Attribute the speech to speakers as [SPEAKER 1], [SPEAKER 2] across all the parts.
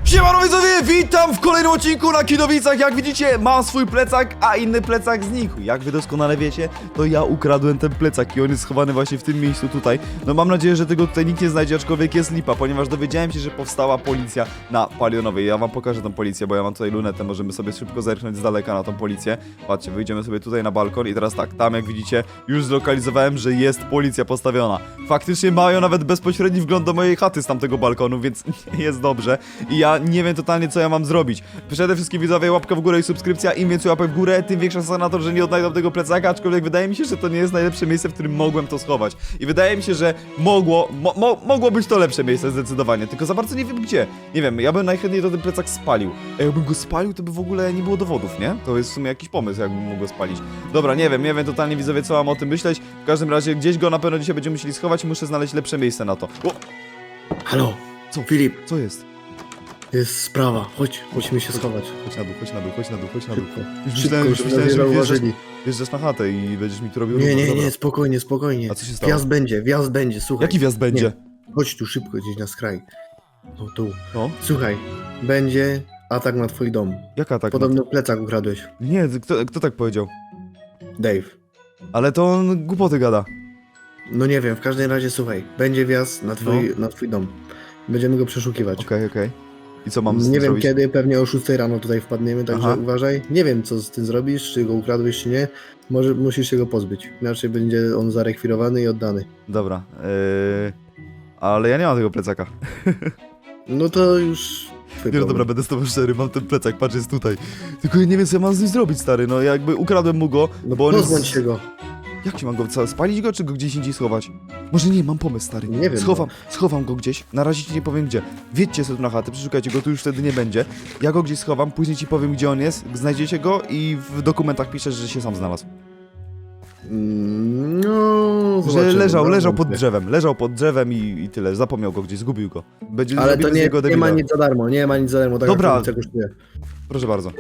[SPEAKER 1] Siemano widzowie, witam w kolejnym odcinku na Kidowicach. Jak widzicie, mam swój plecak, a inny plecak znikł. Jak wy doskonale wiecie, to ja ukradłem ten plecak i on jest schowany właśnie w tym miejscu tutaj. No mam nadzieję, że tego tutaj nikt nie znajdzie, aczkolwiek jest lipa, ponieważ dowiedziałem się, że powstała policja na Palionowej. Ja wam pokażę tą policję, bo ja mam tutaj lunetę, możemy sobie szybko zerknąć z daleka na tą policję. Patrzcie, wyjdziemy sobie tutaj na balkon i teraz tak, tam jak widzicie, już zlokalizowałem, że jest policja postawiona. Faktycznie mają nawet bezpośredni wgląd do mojej chaty z tamtego balkonu, więc jest dobrze. I ja nie wiem totalnie, co ja mam zrobić. Przede wszystkim widzowie, łapka w górę i subskrypcja. Im więcej łapek w górę, tym większa szansa na to, że nie odnajdą tego plecaka, aczkolwiek wydaje mi się, że to nie jest najlepsze miejsce, w którym mogłem to schować. I wydaje mi się, że mogło być to lepsze miejsce zdecydowanie, tylko za bardzo nie wiem gdzie. Nie wiem, ja bym najchętniej ten plecak spalił. A jakbym go spalił, to by w ogóle nie było dowodów, nie? To jest w sumie jakiś pomysł, jakbym mógł go spalić. Dobra, nie wiem totalnie widzowie, co mam o tym myśleć. W każdym razie gdzieś go na pewno dzisiaj będziemy musieli schować i muszę znaleźć lepsze miejsce na to. O!
[SPEAKER 2] Halo,
[SPEAKER 1] Co?
[SPEAKER 2] Filip,
[SPEAKER 1] Co jest?
[SPEAKER 2] jest sprawa, chodź, musimy się schować.
[SPEAKER 1] Chodź na dół.
[SPEAKER 2] Szybko,
[SPEAKER 1] Już
[SPEAKER 2] szybko,
[SPEAKER 1] myślałem,
[SPEAKER 2] żeby
[SPEAKER 1] że
[SPEAKER 2] nas nie
[SPEAKER 1] wjeżdżasz,
[SPEAKER 2] zauważyli.
[SPEAKER 1] wjeżdżasz na chatę i będziesz mi tu robił
[SPEAKER 2] Nie,
[SPEAKER 1] ruch.
[SPEAKER 2] nie,
[SPEAKER 1] Dobra.
[SPEAKER 2] nie, spokojnie.
[SPEAKER 1] A co się stało?
[SPEAKER 2] Wjazd będzie, słuchaj.
[SPEAKER 1] Jaki wjazd będzie?
[SPEAKER 2] Nie, chodź tu szybko, gdzieś na skraj. No tu.
[SPEAKER 1] No?
[SPEAKER 2] Słuchaj, będzie atak na twój dom.
[SPEAKER 1] Jaka tak?
[SPEAKER 2] Podobno plecak ukradłeś.
[SPEAKER 1] Nie, kto tak powiedział?
[SPEAKER 2] Dave.
[SPEAKER 1] Ale to on głupoty gada.
[SPEAKER 2] No nie wiem, w każdym razie słuchaj, będzie wjazd na twój dom. Będziemy go przeszukiwać.
[SPEAKER 1] Okej. I co mam z
[SPEAKER 2] Nie
[SPEAKER 1] tym
[SPEAKER 2] wiem
[SPEAKER 1] zrobić?
[SPEAKER 2] kiedy, pewnie o 6 rano tutaj wpadniemy, także
[SPEAKER 1] Aha.
[SPEAKER 2] uważaj. Nie wiem co z tym zrobisz, czy go ukradłeś, czy nie. Może musisz się go pozbyć, inaczej będzie on zarekwirowany i oddany.
[SPEAKER 1] Dobra, ale ja nie mam tego plecaka.
[SPEAKER 2] No to już twój
[SPEAKER 1] Nie, no
[SPEAKER 2] problem.
[SPEAKER 1] dobra, będę z tobą szczery, mam ten plecak, patrz, jest tutaj. Tylko ja nie wiem, co ja mam z nim zrobić, stary, no jakby ukradłem mu go,
[SPEAKER 2] No
[SPEAKER 1] bo on
[SPEAKER 2] pozbądź
[SPEAKER 1] jest...
[SPEAKER 2] się go.
[SPEAKER 1] Jak się mam go, co, spalić go, czy go gdzieś indziej schować? Może nie, mam pomysł, stary.
[SPEAKER 2] Nie wiem,
[SPEAKER 1] Schowam go gdzieś, na razie ci nie powiem gdzie. Wjedźcie sobie tu na chatę, przeszukajcie go, tu już wtedy nie będzie. Ja go gdzieś schowam, później ci powiem, gdzie on jest, znajdziecie go i w dokumentach piszesz, że się sam znalazł.
[SPEAKER 2] No,
[SPEAKER 1] Że
[SPEAKER 2] zobaczymy,
[SPEAKER 1] leżał pod
[SPEAKER 2] wątpię.
[SPEAKER 1] drzewem i tyle, zapomniał go gdzieś, zgubił go. Będzie
[SPEAKER 2] Ale
[SPEAKER 1] zrobimy
[SPEAKER 2] to
[SPEAKER 1] z
[SPEAKER 2] nie,
[SPEAKER 1] niego
[SPEAKER 2] nie
[SPEAKER 1] debila.
[SPEAKER 2] ma nic za darmo, tak
[SPEAKER 1] Dobra.
[SPEAKER 2] jak to kosztuje.
[SPEAKER 1] Proszę bardzo.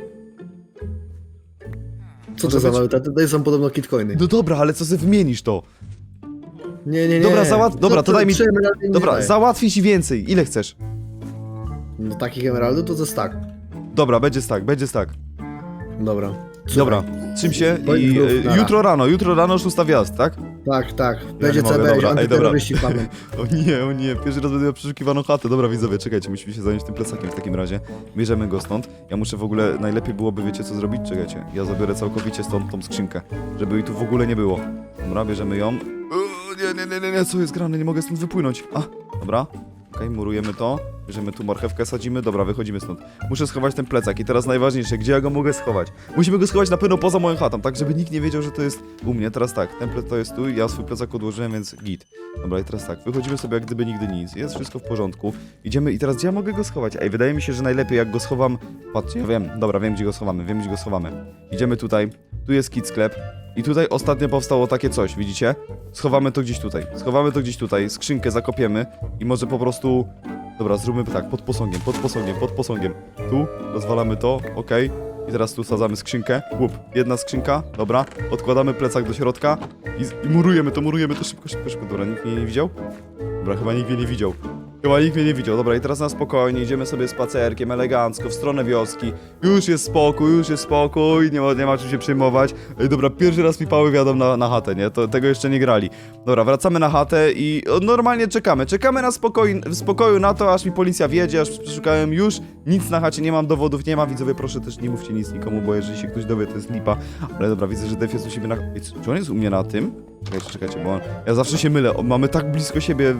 [SPEAKER 2] Co
[SPEAKER 1] Może
[SPEAKER 2] to za
[SPEAKER 1] być?
[SPEAKER 2] waluta? Tutaj są podobno kitcoiny.
[SPEAKER 1] No dobra, ale co sobie wymienisz to?
[SPEAKER 2] Nie.
[SPEAKER 1] Dobra, dobra, to daj mi...
[SPEAKER 2] 3 emeraldy nie
[SPEAKER 1] Dobra,
[SPEAKER 2] daje.
[SPEAKER 1] załatwię ci więcej. Ile chcesz?
[SPEAKER 2] No takich emeraldów to jest tak.
[SPEAKER 1] Dobra, będzie tak.
[SPEAKER 2] Dobra.
[SPEAKER 1] Dobra, trzym się
[SPEAKER 2] Bądź
[SPEAKER 1] i
[SPEAKER 2] grób, nara.
[SPEAKER 1] jutro rano 6 wjazd, tak?
[SPEAKER 2] Tak. Będzie
[SPEAKER 1] nie mogę,
[SPEAKER 2] CB,
[SPEAKER 1] dobra, ej,
[SPEAKER 2] antyterroryści wpadną.
[SPEAKER 1] O nie, pierwszy raz będę miał przeszukiwaną chatę. Dobra, widzowie, czekajcie, musimy się zająć tym plecakiem w takim razie. Bierzemy go stąd. Ja muszę w ogóle, najlepiej byłoby, wiecie co zrobić? Czekajcie, ja zabiorę całkowicie stąd tą skrzynkę, żeby jej tu w ogóle nie było. Dobra, bierzemy ją. Nie, co jest grane, nie mogę stąd wypłynąć. Dobra. Okej, murujemy to, bierzemy tu marchewkę, sadzimy, dobra, wychodzimy stąd. Muszę schować ten plecak i teraz najważniejsze, gdzie ja go mogę schować? Musimy go schować na pewno poza moją chatą, tak żeby nikt nie wiedział, że to jest u mnie. Teraz tak, ten to jest tu, ja swój plecak odłożyłem, więc git. Dobra, i teraz tak, wychodzimy sobie jak gdyby nigdy nic, jest wszystko w porządku. Idziemy i teraz gdzie ja mogę go schować? Ej, wydaje mi się, że najlepiej jak go schowam... Patrzcie, ja wiem, dobra, wiem gdzie go schowamy. Idziemy tutaj, tu jest kit sklep. I tutaj ostatnio powstało takie coś, widzicie? Schowamy to gdzieś tutaj, skrzynkę zakopiemy i może po prostu... Dobra, zróbmy tak, pod posągiem. Tu, rozwalamy to, okej. I teraz tu sadzamy skrzynkę, łup, jedna skrzynka, dobra. Odkładamy plecak do środka i murujemy to szybko. Dobra, nikt mnie nie widział? Dobra, chyba nikt mnie nie widział. Dobra, i teraz na spokojnie, idziemy sobie spacerkiem, elegancko, w stronę wioski. Już jest spokój, nie ma czym się przejmować. Ej, dobra, pierwszy raz mi pały wiadą na chatę, nie? Tego jeszcze nie grali. Dobra, wracamy na chatę i normalnie czekamy w spokoju na to, aż mi policja wjedzie, aż przeszukałem już. Nic na chacie, nie mam dowodów, nie ma, widzowie, proszę też nie mówcie nic nikomu, bo jeżeli się ktoś dowie, to jest lipa. Ale dobra, widzę, że Def jest u siebie na... Ej, czy on jest u mnie na tym? Czekajcie, bo ja zawsze się mylę. Mamy tak blisko siebie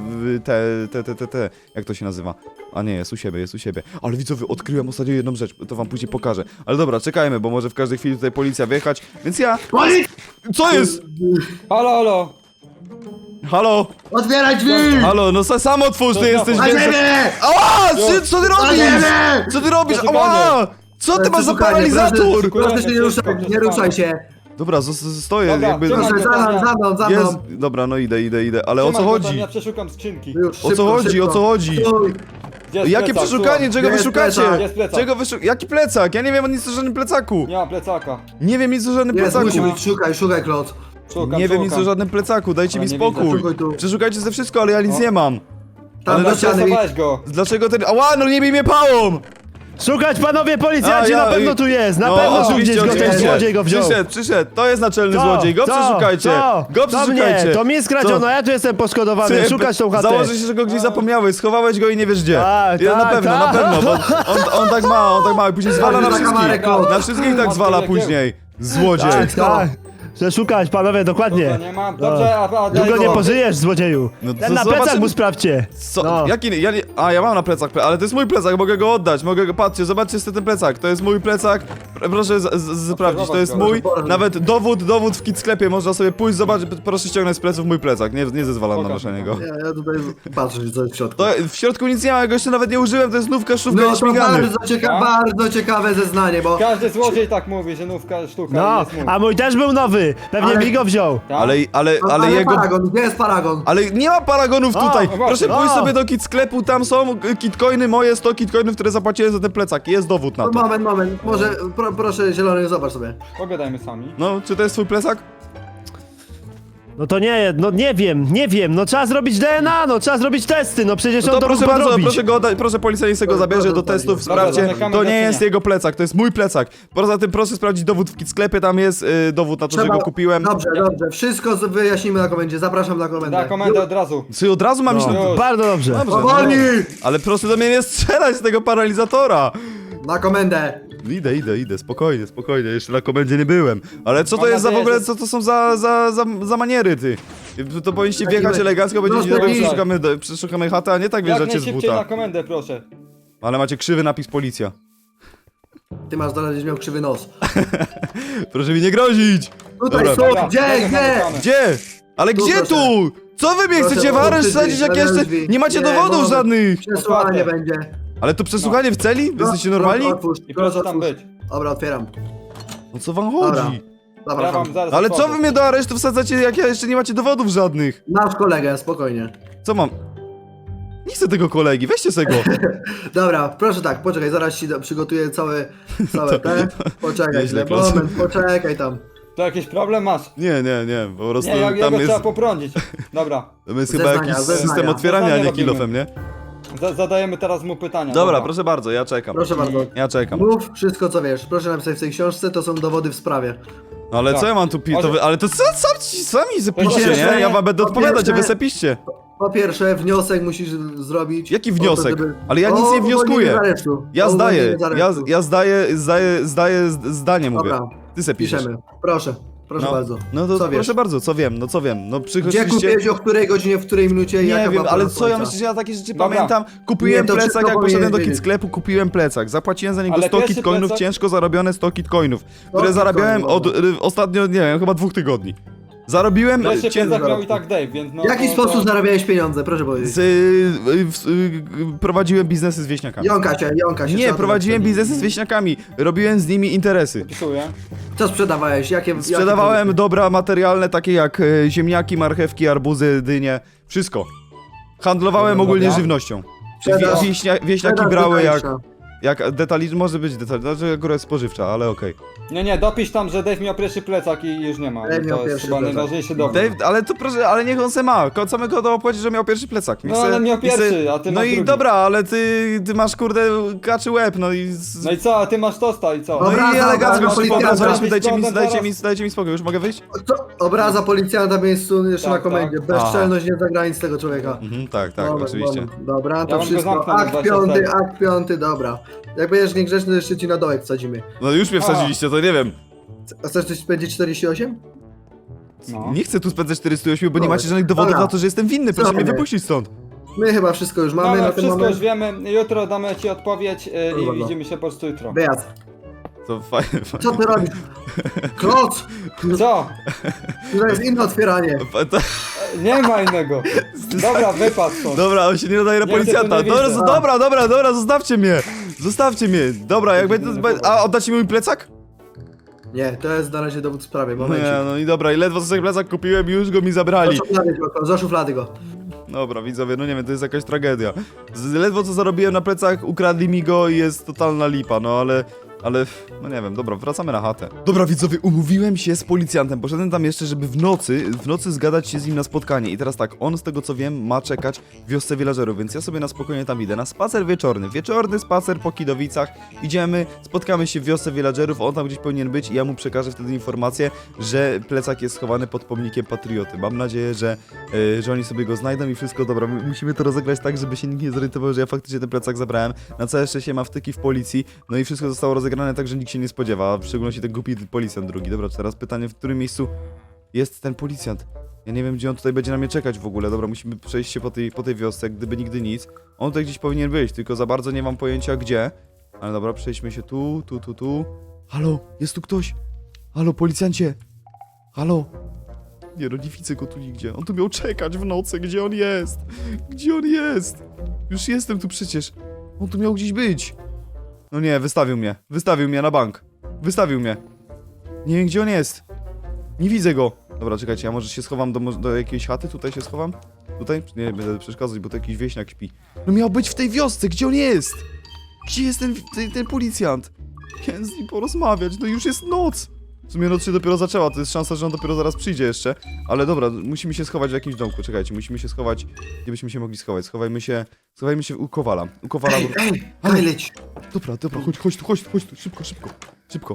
[SPEAKER 1] jak to się nazywa? A nie, jest u siebie. Ale widzowie, odkryłem ostatnio jedną rzecz, to wam później pokażę. Ale dobra, czekajmy, bo może w każdej chwili tutaj policja wjechać, więc ja... Co jest?
[SPEAKER 3] Halo!
[SPEAKER 1] Halo?
[SPEAKER 2] Otwieraj drzwi!
[SPEAKER 1] Halo, no sam otwórz, ty jesteś
[SPEAKER 2] Na
[SPEAKER 1] więcej...
[SPEAKER 2] ziemię!
[SPEAKER 1] Ała! Co ty
[SPEAKER 2] Na
[SPEAKER 1] robisz?
[SPEAKER 2] ziemię!
[SPEAKER 1] Co ty robisz?
[SPEAKER 3] Przeszukanie.
[SPEAKER 1] Ała! Co ty masz za
[SPEAKER 2] Przeszukanie,
[SPEAKER 1] paralizator?
[SPEAKER 2] Proszę się nie ruszać, nie ruszaj się.
[SPEAKER 1] Dobra, stoję,
[SPEAKER 3] Dobra,
[SPEAKER 1] jakby...
[SPEAKER 3] trzymaj.
[SPEAKER 2] Proszę, za mną.
[SPEAKER 1] Jest... Dobra, no idę, ale o co chodzi?
[SPEAKER 3] Ja przeszukam skrzynki.
[SPEAKER 2] Już,
[SPEAKER 1] O co
[SPEAKER 2] szybko.
[SPEAKER 1] chodzi?
[SPEAKER 2] Stój.
[SPEAKER 3] Gdzie jest
[SPEAKER 1] Jakie
[SPEAKER 3] plecak?
[SPEAKER 1] przeszukanie? Czego wy
[SPEAKER 2] Jest
[SPEAKER 1] szukacie?
[SPEAKER 2] plecak.
[SPEAKER 3] Jest plecak.
[SPEAKER 1] Jaki plecak? Ja nie wiem nic o żadnym plecaku.
[SPEAKER 3] Nie ma plecaka.
[SPEAKER 1] Nie wiem nic o żadnym
[SPEAKER 2] Jest,
[SPEAKER 1] plecaku.
[SPEAKER 2] musi być, szukaj, Klot.
[SPEAKER 3] Szukam,
[SPEAKER 1] Nie wiem nic
[SPEAKER 3] szukam.
[SPEAKER 1] o żadnym plecaku, dajcie
[SPEAKER 3] Ale
[SPEAKER 1] mi
[SPEAKER 3] nie
[SPEAKER 1] spokój.
[SPEAKER 2] Szukaj tu.
[SPEAKER 1] Przeszukajcie ze wszystko, ale ja nic
[SPEAKER 3] O.
[SPEAKER 1] nie mam.
[SPEAKER 2] Tam
[SPEAKER 1] Ale
[SPEAKER 2] do
[SPEAKER 1] dlaczego
[SPEAKER 2] ściany.
[SPEAKER 3] Przesłałeś go.
[SPEAKER 1] Dlaczego ten... Ała, no nie bij mnie pałą!
[SPEAKER 4] Szukać, panowie policjanci,
[SPEAKER 1] A, ja-
[SPEAKER 4] na pewno tu jest, na
[SPEAKER 1] No,
[SPEAKER 4] pewno tu
[SPEAKER 1] oczywiście,
[SPEAKER 4] gdzieś go ten
[SPEAKER 1] oczywiście.
[SPEAKER 4] złodziej go wziął.
[SPEAKER 1] Przyszedł, to jest naczelny
[SPEAKER 4] Co?
[SPEAKER 1] złodziej, go
[SPEAKER 4] Co?
[SPEAKER 1] przeszukajcie!
[SPEAKER 4] Co?
[SPEAKER 1] Go
[SPEAKER 4] To mnie,
[SPEAKER 1] przeszukajcie!
[SPEAKER 4] to mi skradziono,
[SPEAKER 1] Co?
[SPEAKER 4] ja tu jestem poszkodowany,
[SPEAKER 1] Ty,
[SPEAKER 4] szukać tą chatę.
[SPEAKER 1] Założę się, że go gdzieś zapomniałeś, schowałeś go i nie wiesz gdzie.
[SPEAKER 4] Tak,
[SPEAKER 1] Ja, na
[SPEAKER 4] tak,
[SPEAKER 1] pewno,
[SPEAKER 4] tak.
[SPEAKER 1] na pewno, bo on tak ma i później zwala na
[SPEAKER 2] Za kamerę,
[SPEAKER 1] wszystkich.
[SPEAKER 2] Klot.
[SPEAKER 1] Na wszystkich tak zwala później. Złodziej.
[SPEAKER 4] Tak, tak. Że szukać, panowie,
[SPEAKER 3] Dobra,
[SPEAKER 4] dokładnie.
[SPEAKER 3] nie ma. Dobrze, a
[SPEAKER 4] Długo nie
[SPEAKER 3] go.
[SPEAKER 4] pożyjesz, złodzieju.
[SPEAKER 1] No to
[SPEAKER 4] Ten na
[SPEAKER 1] zobaczymy.
[SPEAKER 4] plecach mu sprawdźcie.
[SPEAKER 1] Co?
[SPEAKER 4] No.
[SPEAKER 1] Jaki? Ja mam na plecach, ale to jest mój plecak, mogę go oddać, mogę go, patrzcie, zobaczcie sobie ten plecak, to jest mój plecak, proszę sprawdzić, to jest mój, nawet dowód w kit sklepie, można sobie pójść, zobaczyć, proszę ściągnąć z pleców mój plecak, nie zezwalam na
[SPEAKER 3] Pokaż
[SPEAKER 1] noszenie
[SPEAKER 3] mi
[SPEAKER 1] go.
[SPEAKER 2] Ja tutaj patrzę, co jest w środku.
[SPEAKER 1] To w środku nic nie ma, ja go jeszcze nawet nie użyłem, to jest nówka, szufka
[SPEAKER 2] No
[SPEAKER 1] i
[SPEAKER 2] to
[SPEAKER 1] śmigany.
[SPEAKER 2] bardzo ciekawe zeznanie, bo...
[SPEAKER 3] Każdy złodziej tak mówi, że nówka sztuka
[SPEAKER 4] No,
[SPEAKER 3] jest mój.
[SPEAKER 4] a mój też był nowy, pewnie
[SPEAKER 2] Ale-
[SPEAKER 4] mi go wziął.
[SPEAKER 3] Tak?
[SPEAKER 1] Ale jego...
[SPEAKER 2] Paragon, gdzie jest paragon?
[SPEAKER 1] Ale nie ma paragonów
[SPEAKER 4] O,
[SPEAKER 1] tutaj!
[SPEAKER 3] no
[SPEAKER 1] Proszę
[SPEAKER 3] właśnie.
[SPEAKER 1] pójść
[SPEAKER 4] O.
[SPEAKER 1] sobie do kit sklepu, tam są kitcoiny moje, 100 kitcoinów, które zapłaciłem za ten plecak, jest dowód na to.
[SPEAKER 2] Moment, może proszę zielony, zobacz sobie.
[SPEAKER 3] Pogadajmy sami.
[SPEAKER 1] No, czy to jest twój plecak?
[SPEAKER 4] No to nie, no nie wiem, no trzeba zrobić DNA, no trzeba zrobić testy, no przecież
[SPEAKER 1] No
[SPEAKER 4] on
[SPEAKER 1] to
[SPEAKER 4] to mógł
[SPEAKER 1] proszę bardzo,
[SPEAKER 4] podrobić.
[SPEAKER 1] proszę go oddać, proszę policjant sobie go zabierze do testów,
[SPEAKER 3] Dobra,
[SPEAKER 1] sprawdźcie,
[SPEAKER 3] zamykamy
[SPEAKER 1] to nie
[SPEAKER 3] gaśnienie.
[SPEAKER 1] jest jego plecak, to jest mój plecak. Poza tym proszę sprawdzić dowód w kit sklepie, tam jest dowód na to, że go kupiłem.
[SPEAKER 2] Dobrze, wszystko wyjaśnimy na komendzie, zapraszam na komendę.
[SPEAKER 3] Da komendę od razu.
[SPEAKER 1] Czy od razu mam iść...
[SPEAKER 4] No,
[SPEAKER 3] Już.
[SPEAKER 4] bardzo dobrze.
[SPEAKER 1] Dobrze,
[SPEAKER 2] Powoli!
[SPEAKER 1] ale proszę do mnie nie strzelać z tego paralizatora.
[SPEAKER 2] Na komendę.
[SPEAKER 1] Idę, spokojnie, jeszcze na komendzie nie byłem. Ale co to
[SPEAKER 3] Mam
[SPEAKER 1] jest za w
[SPEAKER 3] nadzieję,
[SPEAKER 1] ogóle,
[SPEAKER 3] że-
[SPEAKER 1] co to są za maniery, ty? To powinniście
[SPEAKER 2] Taki
[SPEAKER 1] wjechać
[SPEAKER 2] my-
[SPEAKER 1] elegancko, będziecie
[SPEAKER 2] No,
[SPEAKER 1] dobra,
[SPEAKER 2] taki-
[SPEAKER 1] przeszukamy chatę, a nie tak
[SPEAKER 3] Jak
[SPEAKER 1] wjeżdżacie z
[SPEAKER 3] najszybciej na
[SPEAKER 1] buta.
[SPEAKER 3] komendę, proszę.
[SPEAKER 1] Ale macie krzywy napis policja.
[SPEAKER 2] Ty masz dalej, będziesz miał krzywy nos.
[SPEAKER 1] Proszę mi nie grozić!
[SPEAKER 2] Tutaj
[SPEAKER 1] Dobra.
[SPEAKER 2] są,
[SPEAKER 3] Dobra,
[SPEAKER 2] gdzie?
[SPEAKER 3] zamykamy.
[SPEAKER 1] Gdzie? Ale
[SPEAKER 2] Tu,
[SPEAKER 1] gdzie
[SPEAKER 2] proszę.
[SPEAKER 1] tu? Co wy mnie
[SPEAKER 2] Proszę,
[SPEAKER 1] chcecie w areszt
[SPEAKER 2] otwórz
[SPEAKER 1] wsadzić,
[SPEAKER 2] drzwi,
[SPEAKER 1] jak jeszcze
[SPEAKER 2] drzwi.
[SPEAKER 1] nie macie
[SPEAKER 2] Nie,
[SPEAKER 1] dowodów
[SPEAKER 2] bo-
[SPEAKER 1] żadnych?
[SPEAKER 2] Przesłuchanie
[SPEAKER 3] Otwarte.
[SPEAKER 2] będzie.
[SPEAKER 1] Ale to przesłuchanie w celi? Wy jesteście normalni?
[SPEAKER 2] Otwórz,
[SPEAKER 3] I proszę tam
[SPEAKER 2] otwórz.
[SPEAKER 3] być.
[SPEAKER 2] Dobra, otwieram.
[SPEAKER 1] No co wam
[SPEAKER 2] Dobra.
[SPEAKER 1] chodzi?
[SPEAKER 3] Ja
[SPEAKER 2] Zapraszam.
[SPEAKER 3] wam zaraz
[SPEAKER 1] Ale co
[SPEAKER 3] otworzę.
[SPEAKER 1] wy mnie do aresztu wsadzacie, jak ja jeszcze nie macie dowodów żadnych?
[SPEAKER 2] Nasz kolegę, spokojnie.
[SPEAKER 1] Co mam? Nie chcę tego kolegi, weźcie sobie go.
[SPEAKER 2] Dobra, proszę tak, poczekaj, zaraz ci przygotuję całe te. Poczekaj,
[SPEAKER 1] Nieźle,
[SPEAKER 2] chwilę,
[SPEAKER 1] Klot.
[SPEAKER 2] moment, poczekaj tam.
[SPEAKER 3] To jakiś problem masz?
[SPEAKER 1] Nie, po prostu
[SPEAKER 3] Nie, jak
[SPEAKER 1] tam
[SPEAKER 3] go
[SPEAKER 1] jest,
[SPEAKER 3] trzeba poprądzić. Dobra.
[SPEAKER 1] tam jest
[SPEAKER 2] Zeznania,
[SPEAKER 1] chyba jakiś
[SPEAKER 2] zeznania.
[SPEAKER 1] system otwierania, a nie
[SPEAKER 3] Zeznania
[SPEAKER 1] kilofem, nie?
[SPEAKER 3] Zadajemy teraz mu pytania.
[SPEAKER 1] Dobra, proszę bardzo, ja czekam.
[SPEAKER 2] Proszę bardzo.
[SPEAKER 1] Ja czekam.
[SPEAKER 2] Mów wszystko co wiesz. Proszę napisać w tej książce, to są dowody w sprawie.
[SPEAKER 1] No ale
[SPEAKER 3] Tak.
[SPEAKER 1] co ja mam tu
[SPEAKER 3] Może-
[SPEAKER 1] ale to sami zapiszcie,
[SPEAKER 2] pierwsze-
[SPEAKER 1] nie? Ja wam będę
[SPEAKER 2] po
[SPEAKER 1] odpowiadać, a wy
[SPEAKER 2] pierwsze-
[SPEAKER 1] se piszcie.
[SPEAKER 2] Po pierwsze, wniosek musisz zrobić.
[SPEAKER 1] Jaki
[SPEAKER 2] o to,
[SPEAKER 1] wniosek?
[SPEAKER 2] żeby-
[SPEAKER 1] Ale ja nic
[SPEAKER 2] o
[SPEAKER 1] nie wnioskuję.
[SPEAKER 2] uwolnienie z aresztu.
[SPEAKER 1] Ja
[SPEAKER 2] O
[SPEAKER 1] zdaję,
[SPEAKER 2] uwolnienie z aresztu.
[SPEAKER 1] ja zdaję zdanie, mówię.
[SPEAKER 2] Dobra,
[SPEAKER 1] Ty se piszesz.
[SPEAKER 2] piszemy. Proszę bardzo.
[SPEAKER 1] No to
[SPEAKER 2] co wiesz?
[SPEAKER 1] proszę bardzo, co wiem, no
[SPEAKER 2] Gdzie
[SPEAKER 1] przychodziliście...
[SPEAKER 2] kupiłeś, o której godzinie, w której minucie i
[SPEAKER 1] Nie
[SPEAKER 2] jaka
[SPEAKER 1] wiem,
[SPEAKER 2] była
[SPEAKER 1] ale
[SPEAKER 2] pora
[SPEAKER 1] co ja
[SPEAKER 2] końca?
[SPEAKER 1] myślę, że ja takie rzeczy
[SPEAKER 3] Dobra.
[SPEAKER 1] pamiętam? Kupiłem
[SPEAKER 2] Nie, to
[SPEAKER 1] plecak,
[SPEAKER 2] wszystko
[SPEAKER 1] jak poszedłem do
[SPEAKER 2] powinieneś
[SPEAKER 1] kit
[SPEAKER 2] wiedzieć.
[SPEAKER 1] sklepu, kupiłem plecak. Zapłaciłem za niego
[SPEAKER 3] Ale
[SPEAKER 1] 100
[SPEAKER 3] pierwszy
[SPEAKER 1] kitcoinów,
[SPEAKER 3] plecak-
[SPEAKER 1] ciężko zarobione 100 kitcoinów, które
[SPEAKER 2] kitcoinów,
[SPEAKER 1] zarabiałem od
[SPEAKER 2] dobra.
[SPEAKER 1] ostatnio, nie wiem, chyba 2 tygodni. Zarobiłem
[SPEAKER 3] Pierwszy
[SPEAKER 1] cię,
[SPEAKER 3] plecak miał i tak Dave, więc no...
[SPEAKER 2] W jaki
[SPEAKER 3] no,
[SPEAKER 2] sposób
[SPEAKER 3] to...
[SPEAKER 2] zarabiałeś pieniądze, proszę powiedzieć?
[SPEAKER 1] prowadziłem biznesy z wieśniakami.
[SPEAKER 2] Jąka się.
[SPEAKER 1] Nie,
[SPEAKER 2] trzeba
[SPEAKER 1] prowadziłem
[SPEAKER 2] to
[SPEAKER 1] biznesy z wieśniakami, robiłem z nimi interesy.
[SPEAKER 3] Pisuję.
[SPEAKER 2] Co sprzedawałeś?
[SPEAKER 1] Sprzedawałem dobra materialne takie jak ziemniaki, marchewki, arbuzy, dynie, wszystko. Handlowałem
[SPEAKER 3] Dobra,
[SPEAKER 1] ogólnie
[SPEAKER 3] dobra.
[SPEAKER 1] żywnością.
[SPEAKER 2] Sprzedaż-
[SPEAKER 1] Wieśniaki
[SPEAKER 2] sprzedaż
[SPEAKER 1] brały
[SPEAKER 2] detaliczna.
[SPEAKER 1] jak detaliczna, może być detaliczna, znaczy akurat spożywcza, ale okej.
[SPEAKER 3] Nie, dopisz tam, że Dave miał pierwszy plecak i już nie ma.
[SPEAKER 2] Dave miał
[SPEAKER 3] To jest
[SPEAKER 2] pierwszy
[SPEAKER 3] chyba
[SPEAKER 2] plecak.
[SPEAKER 3] najważniejszy dowód.
[SPEAKER 1] Dave, ale to proszę, ale niech on se ma. Samego to opowiedzieć, że miał pierwszy plecak. Niech
[SPEAKER 3] No,
[SPEAKER 1] se-
[SPEAKER 3] ale miał
[SPEAKER 1] niech se-
[SPEAKER 3] pierwszy, a ty
[SPEAKER 1] No
[SPEAKER 3] masz
[SPEAKER 1] i
[SPEAKER 3] drugi.
[SPEAKER 1] dobra, ale ty masz kurde kaczy łeb, no i...
[SPEAKER 3] No i co, a ty masz tosta i co?
[SPEAKER 1] No
[SPEAKER 2] Dobra,
[SPEAKER 1] i elegancko
[SPEAKER 2] dobra,
[SPEAKER 1] już
[SPEAKER 2] policjanta.
[SPEAKER 1] pokazaliśmy, dajcie mi
[SPEAKER 3] Zaraz.
[SPEAKER 1] spokój, już mogę wyjść?
[SPEAKER 2] Co? Obraza policjanta w miejscu jeszcze
[SPEAKER 3] Tak,
[SPEAKER 2] na komendzie.
[SPEAKER 3] tak.
[SPEAKER 2] Bezczelność nie zagranic tego człowieka.
[SPEAKER 1] Mhm, tak,
[SPEAKER 2] Moment,
[SPEAKER 1] oczywiście.
[SPEAKER 2] moment. Dobra,
[SPEAKER 3] Ja
[SPEAKER 2] to
[SPEAKER 3] bym go
[SPEAKER 2] wszystko.
[SPEAKER 3] zamknął na 24.
[SPEAKER 2] Akt piąty, dobra. Jak będziesz niegrzeczny, to jeszcze ci na dołek wsadzimy.
[SPEAKER 1] No już mnie wsadziliście, to nie wiem.
[SPEAKER 2] A chcesz coś spędzić 48?
[SPEAKER 3] No.
[SPEAKER 1] Nie chcę tu spędzać 408, bo nie
[SPEAKER 2] Dobra.
[SPEAKER 1] macie żadnych dowodów
[SPEAKER 2] Dobra.
[SPEAKER 1] na to, że jestem winny, proszę mnie
[SPEAKER 2] Dobra.
[SPEAKER 1] wypuścić stąd.
[SPEAKER 2] My chyba wszystko już mamy
[SPEAKER 3] Dobra,
[SPEAKER 2] na ten
[SPEAKER 3] wszystko
[SPEAKER 2] moment.
[SPEAKER 3] już wiemy, jutro damy ci odpowiedź i
[SPEAKER 2] Dobra.
[SPEAKER 3] widzimy się po prostu jutro.
[SPEAKER 2] Wyjazd.
[SPEAKER 1] To fajne.
[SPEAKER 2] Co ty robisz? Kloc!
[SPEAKER 3] Co?
[SPEAKER 2] To jest inne otwieranie.
[SPEAKER 3] Nie ma innego. Dobra, wypadł stąd.
[SPEAKER 1] Dobra, on się nie nadaje na
[SPEAKER 3] Ja cię tu
[SPEAKER 1] policjanta.
[SPEAKER 3] nie
[SPEAKER 1] Dobra,
[SPEAKER 3] widzę.
[SPEAKER 1] dobra, zostawcie mnie. Zostawcie mnie. Dobra, jak będę... A oddacie mi mój plecak?
[SPEAKER 2] Nie, to jest na razie dowód w sprawie, momencik.
[SPEAKER 1] Nie, no i dobra, i ledwo sobie plecak kupiłem i już go mi zabrali.
[SPEAKER 2] Za szuflady go.
[SPEAKER 1] Dobra, widzowie, no nie wiem, to jest jakaś tragedia. Ledwo co zarobiłem na plecach, ukradli mi go i jest totalna lipa, no ale ale no nie wiem, dobra, wracamy na chatę. Dobra widzowie, umówiłem się z policjantem, poszedłem tam jeszcze, żeby w nocy zgadać się z nim na spotkanie i teraz tak, on z tego co wiem ma czekać w wiosce villagerów, więc ja sobie na spokojnie tam idę, na spacer wieczorny spacer po Kidowicach, idziemy, spotkamy się w wiosce villagerów, on tam gdzieś powinien być i ja mu przekażę wtedy informację, że plecak jest schowany pod pomnikiem patrioty. Mam nadzieję, że oni sobie go znajdą i wszystko dobra, musimy to rozegrać tak, żeby się nikt nie zorientował, że ja faktycznie ten plecak zabrałem, na całe szczęście ma wtyki w policji, no i wszystko zostało rozegrane tak, że nikt się nie spodziewa, a w szczególności ten głupi policjant drugi. Dobra, teraz pytanie, w którym miejscu jest ten policjant? Ja nie wiem, gdzie on tutaj będzie na mnie czekać w ogóle. Dobra, musimy przejść się po tej wiosce, jak gdyby nigdy nic. On tutaj gdzieś powinien być, tylko za bardzo nie mam pojęcia gdzie. Ale dobra, przejdźmy się tu. Halo, jest tu ktoś? Halo, policjancie! Halo! Nie no, nie widzę go tu nigdzie. On tu miał czekać w nocy, gdzie on jest? Gdzie on jest? Już jestem tu przecież. On tu miał gdzieś być. No nie, wystawił mnie na bank. Wystawił mnie. Nie wiem, gdzie on jest. Nie widzę go. Dobra, czekajcie, ja może się schowam do jakiejś chaty, tutaj się schowam? Tutaj? Nie będę przeszkadzać, bo to jakiś wieśniak śpi. No miał być w tej wiosce, gdzie on jest? Gdzie jest ten policjant? Chciałem z nim porozmawiać, no już jest noc. W sumie noc się dopiero zaczęła, to jest szansa, że on dopiero zaraz przyjdzie jeszcze. Ale dobra, musimy się schować w jakimś domku, czekajcie, musimy się schować. Gdzie byśmy się mogli schować? Schowajmy się u Kowala. U Kowala.
[SPEAKER 2] Ej, leć!
[SPEAKER 1] Dobra, chodź tu, szybko.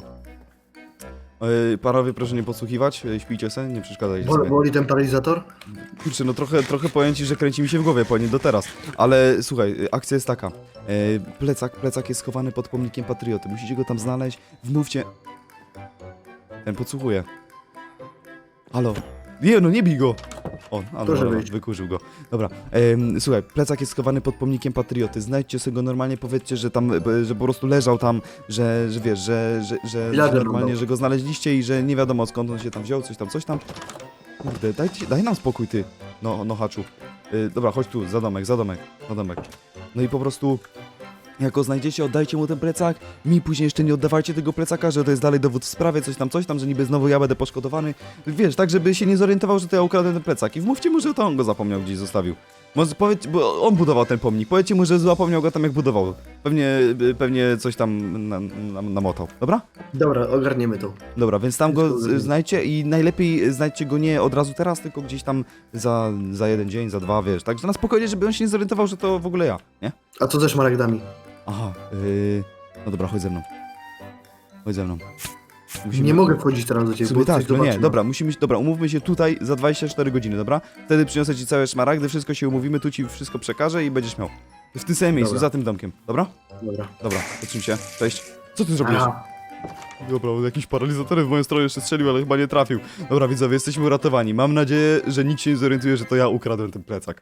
[SPEAKER 1] Panowie, proszę nie podsłuchiwać, śpijcie se, nie przeszkadzajcie sobie.
[SPEAKER 2] Boli ten paralizator?
[SPEAKER 1] Kurczę, no trochę powiem ci, że kręci mi się w głowie, powinien do teraz. Ale słuchaj, akcja jest taka. Plecak jest schowany pod pomnikiem patrioty, musicie go tam znaleźć, wmówcie... Ten podsłuchuje. Halo. Nie, no nie bij go! O,
[SPEAKER 2] Proszę
[SPEAKER 1] dobra,
[SPEAKER 2] wyjść.
[SPEAKER 1] wykurzył go. Dobra, słuchaj, plecak jest schowany pod pomnikiem patrioty. Znajdźcie sobie go normalnie, powiedzcie, że tam, że po prostu leżał tam, że wiesz, że
[SPEAKER 2] Villager
[SPEAKER 1] normalnie,
[SPEAKER 2] dał.
[SPEAKER 1] że go znaleźliście i że nie wiadomo skąd on się tam wziął, coś tam. Kurde, daj nam spokój, ty. No haczu. Dobra, chodź tu, za domek. No i po prostu... Jak go znajdziecie, oddajcie mu ten plecak. Mi później jeszcze nie oddawajcie tego plecaka, że to jest dalej dowód w sprawie, coś tam, że niby znowu ja będę poszkodowany. Wiesz, tak żeby się nie zorientował, że to ja ukradłem ten plecak. I wmówcie mu, że to on go zapomniał, gdzieś zostawił. Może powiedz, bo on budował ten pomnik. Powiedzcie mu, że zapomniał go tam jak budował. Pewnie coś tam namotał. Dobra?
[SPEAKER 2] Dobra, ogarniemy to.
[SPEAKER 1] Dobra, więc tam go
[SPEAKER 2] Wszystko zrobimy.
[SPEAKER 1] znajdźcie i najlepiej znajdźcie go nie od razu teraz, tylko gdzieś tam za jeden dzień, za dwa, wiesz. Tak, że na spokojnie, żeby on się nie zorientował, że to w ogóle ja, nie?
[SPEAKER 2] A co ze szmaragdami?
[SPEAKER 1] Aha, no dobra, chodź ze mną.
[SPEAKER 2] Nie mogę wchodzić teraz do ciebie,
[SPEAKER 1] W sumie
[SPEAKER 2] bo coś
[SPEAKER 1] tak, no nie,
[SPEAKER 2] zobaczymy.
[SPEAKER 1] dobra, umówmy się tutaj za 24 godziny, dobra? Wtedy przyniosę ci całe szmaragdy, wszystko się umówimy, tu ci wszystko przekażę i będziesz miał. W tym samym miejscu,
[SPEAKER 2] Dobra.
[SPEAKER 1] za tym domkiem, dobra?
[SPEAKER 2] Dobra.
[SPEAKER 1] Dobra, zatrzym się, cześć. Co ty zrobiłeś?
[SPEAKER 2] Aha.
[SPEAKER 1] Dobra, jakiś paralizator w moją stronę jeszcze strzelił, ale chyba nie trafił. Dobra, widzowie, jesteśmy uratowani. Mam nadzieję, że nikt się nie zorientuje, że to ja ukradłem ten plecak.